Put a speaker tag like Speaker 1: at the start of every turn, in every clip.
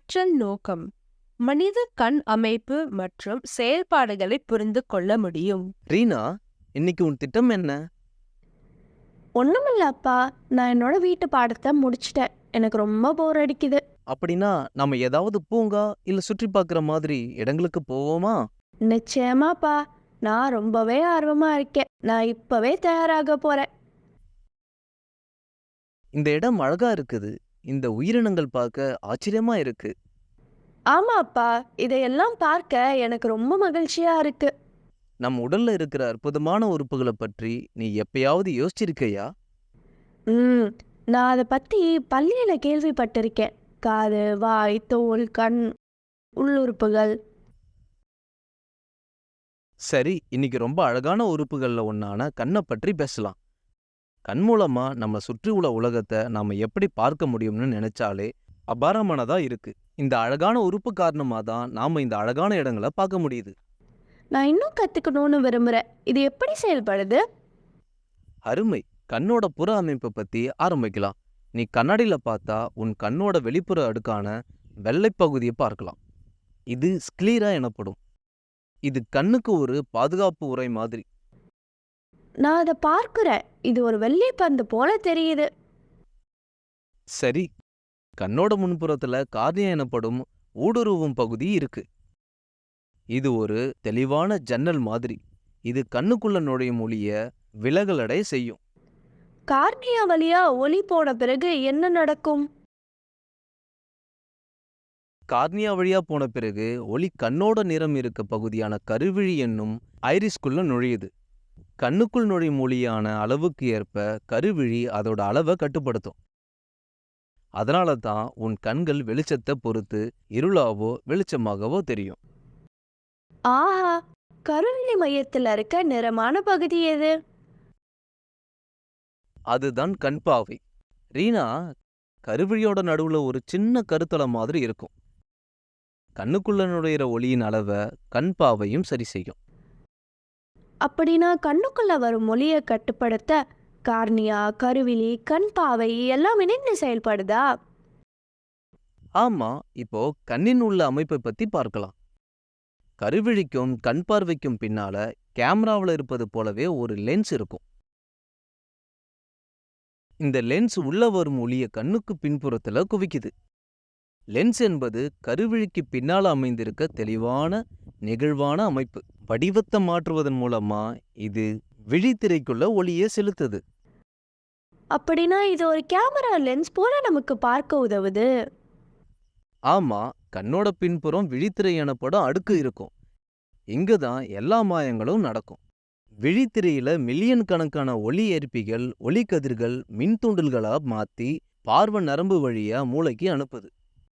Speaker 1: கற்றல் நோக்கம் மனித கண் அமைப்பு மற்றும் செயல்பாடுகளை புரிந்து கொள்ள முடியும்.
Speaker 2: ரீனா, இன்னைக்கு உன் திட்டம் என்ன?
Speaker 3: ஒண்ணுமில்ல அப்பா, நான் என்னோட வீட்டு பாடத்தை முடிச்சிட்டேன். எனக்கு ரொம்ப போர் அடிக்குது.
Speaker 2: அப்படின்னா நாம ஏதாவது பூங்கா இல்ல சுற்றி பார்க்குற மாதிரி இடங்களுக்கு போவோமா?
Speaker 3: நிச்சயமாப்பா, நான் ரொம்பவே ஆர்வமா இருக்கேன். நான் இப்பவே தயாராக போறேன்.
Speaker 2: இந்த இடம் அழகா இருக்குது. இந்த உயிரினங்கள் பார்க்க ஆச்சரியமா இருக்கு.
Speaker 3: ஆமா அப்பா, இதையெல்லாம் பார்க்க எனக்கு ரொம்ப மகிழ்ச்சியா இருக்கு.
Speaker 2: நம் உடல்ல இருக்கிற அற்புதமான உறுப்புகளை பற்றி நீ எப்பயாவது யோசிச்சிருக்கையா?
Speaker 3: ம் நான் அதை பத்தி பள்ளியில கேள்விப்பட்டிருக்கேன். காது, வாய், தோல், கண், உள்ளுறுப்புகள்.
Speaker 2: சரி, இன்னைக்கு ரொம்ப அழகான உறுப்புகள்ல ஒன்னான கண்ணை பற்றி பேசலாம். கண் மூலமா நம்ம சுற்றி உள்ள உலகத்தை நாம எப்படி பார்க்க முடியும்னு நினைச்சாலே அபாரமானதா இருக்கு. இந்த அழகான உறுப்பு காரணமா தான் நாம இந்த அழகான இடங்களை பார்க்க முடியுது.
Speaker 3: நான் இன்னும் கத்துக்கணும்னு விரும்புறேன். இது எப்படி செயல்படுது?
Speaker 2: அருமை. கண்ணோட புற அமைப்பை பத்தி ஆரம்பிக்கலாம். நீ கண்ணாடியில பார்த்தா உன் கண்ணோட வெளிப்புற அடுக்கான வெள்ளைப் பகுதியை பார்க்கலாம். இது ஸ்க்லீரா எனப்படும். இது கண்ணுக்கு ஒரு பாதுகாப்பு உறை மாதிரி.
Speaker 3: நான் அதை பார்க்கிறேன். இது ஒரு வெள்ளி பந்து போல தெரியுது.
Speaker 2: சரி, கண்ணோட முன்புறத்துல கார்னியா எனப்படும் ஊடுருவும் பகுதி இருக்கு. இது ஒரு தெளிவான ஜன்னல் மாதிரி. இது கண்ணுக்குள்ள நுழையும் ஒளிய விலகலடை செய்யும்.
Speaker 3: கார்னியா வழியா ஒளி போன பிறகு என்ன நடக்கும்?
Speaker 2: கார்னியா வழியா போன பிறகு ஒளி கண்ணோட நிறம் இருக்க பகுதியான கருவிழி என்னும் ஐரிஸ்குள்ள நுழையுது. கண்ணுக்குள் நுழையும் ஒளியான அளவுக்கு ஏற்ப கருவிழி அதோட அளவை கட்டுப்படுத்தும். அதனால தான் உன் கண்கள் வெளிச்சத்தை பொறுத்து இருளாவோ வெளிச்சமாகவோ தெரியும்.
Speaker 3: ஆஹா, கருவிழி மையத்தில் இருக்க நிறமான பகுதி எது?
Speaker 2: அதுதான் கண் பாவை. ரீனா, கருவிழியோட நடுவுல ஒரு சின்ன கருத்தளம் மாதிரி இருக்கும். கண்ணுக்குள்ள நுழையிற ஒளியின் அளவை கண் பாவையும் சரி செய்யும்.
Speaker 3: அப்படின்னா கண்ணுக்குள்ள வரும் ஒளியை கட்டுப்படுத்த கார்னியா, கருவிழி, கண் பாவை எல்லாம் இணைந்து செயல்படுதா?
Speaker 2: ஆமா, இப்போ கண்ணின் உள்ள அமைப்பை பத்தி பார்க்கலாம். கருவிழிக்கும் கண் பார்வைக்கும் பின்னால கேமராவில் இருப்பது போலவே ஒரு லென்ஸ் இருக்கும். இந்த லென்ஸ் உள்ள வரும் ஒளிய கண்ணுக்கு பின்புறத்துல குவிக்குது. லென்ஸ் என்பது கருவிழிக்கு பின்னால அமைந்திருக்க தெளிவான நெகிழ்வான அமைப்பு. வடிவத்தை மாற்றுவதன் மூலமா இது விழித்திரைக்குள்ள ஒளியை செலுத்துது.
Speaker 3: அப்படின்னா இது ஒரு கேமரா லென்ஸ் போல நமக்கு பார்க்க உதவுது.
Speaker 2: ஆமா, கண்ணோட பின்புறம் விழித்திரை எனப்படும் அடுக்கு இருக்கும். இங்குதான் எல்லா மாயங்களும் நடக்கும். விழித்திரையில மில்லியன் கணக்கான ஒளி ஏற்பிகள் ஒளிக்கதிர்கள் மின்தூண்டல்களா மாத்தி பார்வை நரம்பு வழியா மூளைக்கு அனுப்புது.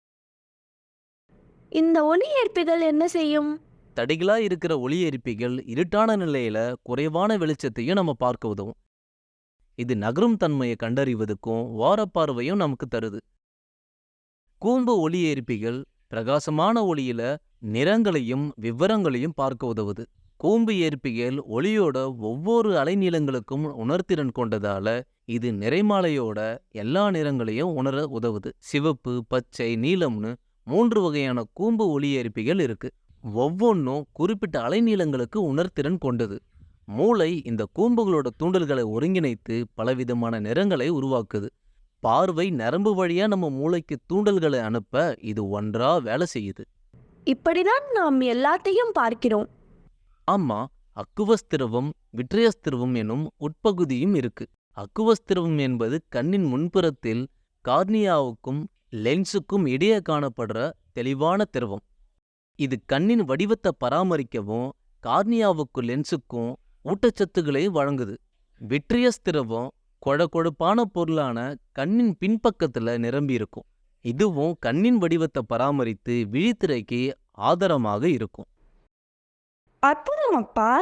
Speaker 3: இந்த ஒளி ஏற்பிகள் என்ன செய்யும்?
Speaker 2: தடிகளா இருக்கிற ஒளி ஏற்பிகள் இருட்டான நிலையில குறைவான வெளிச்சத்தையும் நம்ம பார்க்க உதவும். இது நகரும் தன்மையை கண்டறிவதுக்கும் வாரப்பார்வையும் நமக்கு தருது. கூம்பு ஒளி ஏற்பிகள் பிரகாசமான ஒளியில நிறங்களையும் விவரங்களையும் பார்க்க உதவுது. கூம்பு ஏற்பிகள் ஒளியோட ஒவ்வொரு அலைநீளங்களுக்கும் உணர்திறன் கொண்டதால இது நிறைமாலையோட எல்லா நிறங்களையும் உணர உதவுது. சிவப்பு, பச்சை, நீலம்னு 3 வகையான கூம்பு ஒளி ஏற்பிகள் இருக்கு. ஒவ்வொன்றும் குறிப்பிட்ட அலைநீளங்களுக்கு உணர்திறன் கொண்டது. மூளை இந்த கூம்புகளோட தூண்டல்களை ஒருங்கிணைத்து பலவிதமான நிறங்களை உருவாக்குது. பார்வை நரம்பு வழியா நம்ம மூளைக்கு தூண்டல்களை அனுப்ப இது ஒன்றா வேலை செய்யுது.
Speaker 3: இப்படிதான் நாம் எல்லாத்தையும் பார்க்கிறோம்.
Speaker 2: ஆமா, அக்குவஸ் திரவம், விட்ரியஸ் திரவம் எனும் உட்பகுதியும் இருக்கு. அக்குவஸ் திரவம் என்பது கண்ணின் முன்புறத்தில் கார்னியாவுக்கும் லென்ஸுக்கும் இடையே காணப்படுற தெளிவான திரவம். இது கண்ணின் வடிவத்தை பராமரிக்கவும் கார்னியாவுக்கும் லென்ஸுக்கும் ஊட்டச்சத்துக்களை வழங்குது. விட்ரியஸ் திரவம் கொழகொழுப்பான பொருளான கண்ணின் பின்பக்கத்துல நிரம்பி இருக்கும். இதுவும் கண்ணின் வடிவத்தை பராமரித்து விழித்திரைக்கு ஆதாரமாக இருக்கும்.
Speaker 3: அற்புதம் அப்பா.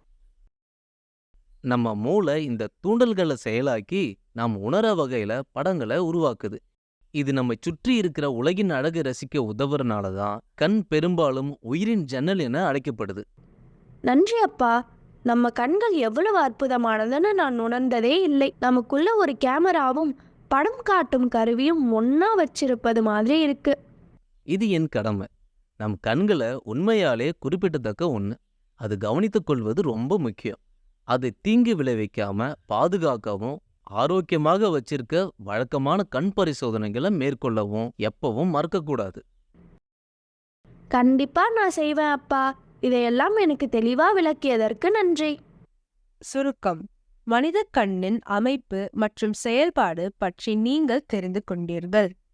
Speaker 2: நம்ம மூளை இந்த தூண்டல்களை செயலாக்கி நாம் உணர வகையில படங்களை உருவாக்குது. இது நம்மை சுற்றி இருக்கிற உலகின் அழகை ரசிக்க உதவுறனால தான் கண் பெரும்பாலும் உயிரின் ஜன்னல் என அழைக்கப்படுது.
Speaker 3: நன்றி அப்பா. நம்ம கண்கள் எவ்வளவு அற்புதமானதுன்னு நான் உணர்ந்ததே இல்லை. நமக்குள்ள ஒரு கேமராவும் படம் காட்டும் கருவியும் ஒன்னா வச்சிருப்பது மாதிரி இருக்கு.
Speaker 2: இது என் கடமை. நம் கண்களை உண்மையாலே குறிப்பிடத்தக்க ஒன்று. அது கவனித்துக் கொள்வது ரொம்ப முக்கியம். அது தீங்கு விளைவிக்காம பாதுகாக்கவும் ஆரோக்கியமாக வச்சிருக்க வழக்கமான கண் பரிசோதனைகளை மேற்கொள்ளவும் எப்பவும் மறக்கக்கூடாது.
Speaker 3: கண்டிப்பா நான் செய்வேன் அப்பா. இதையெல்லாம் எனக்கு தெளிவா விளக்கியதற்கு நன்றி.
Speaker 1: சுருக்கம்: மனித கண்ணின் அமைப்பு மற்றும் செயல்பாடு பற்றி நீங்கள் தெரிந்து கொண்டீர்கள்.